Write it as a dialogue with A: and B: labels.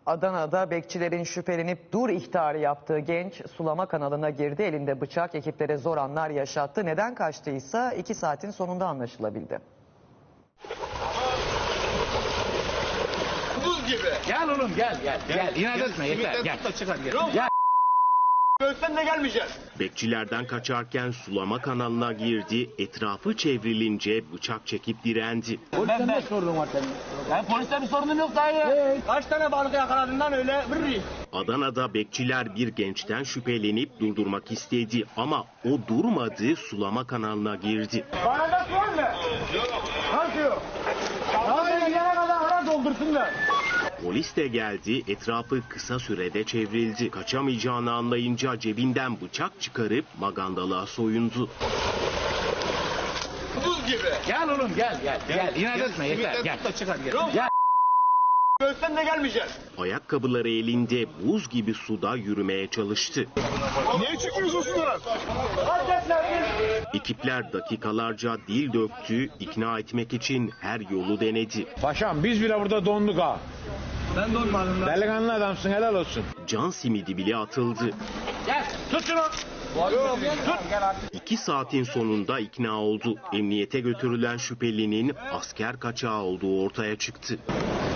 A: Adana'da bekçilerin şüphelenip dur ihtarı yaptığı genç sulama kanalına girdi. Elinde bıçak, ekiplere zor anlar yaşattı. Neden kaçtıysa 2 saatin sonunda anlaşılabildi.
B: Buz gibi.
C: Gel oğlum gel. İnat etme yeter gel. Gel.
B: Ölsen de gelmeyeceğiz.
D: Bekçilerden kaçarken sulama kanalına girdi, etrafı çevrilince bıçak çekip direndi.
C: Polisten ne sorun var senin? Ben poliste bir sorunum yok dayı.
B: Kaç tane balık yakaladığından öyle vırrı.
D: Adana'da bekçiler bir gençten şüphelenip durdurmak istedi ama o durmadı, sulama kanalına girdi.
B: Bana da var mı? Nasıl yok? Daha gidene kadar ara doldursunlar.
D: Polis de geldi, etrafı kısa sürede çevrildi. Kaçamayacağını anlayınca cebinden bıçak çıkarıp magandalığa soyundu.
B: Buz gibi.
C: Gel oğlum gel. İnat etme yeter gel. Gel.
B: Ölsen de gelmeyeceğiz.
D: Ayakkabıları elinde buz gibi suda yürümeye çalıştı.
B: Niye çıkıyorsun sudan?
D: Ekipler dakikalarca dil döktü, ikna etmek için her yolu denedi.
E: Paşam biz bile burada donduk ha.
B: Ben donmadım lan.
E: Delikanlı adamsın, helal olsun.
D: Can simidi bile atıldı.
C: Gel. Tut şunu.
D: 2 saatin sonunda ikna oldu. Emniyete götürülen şüphelinin asker kaçağı olduğu ortaya çıktı.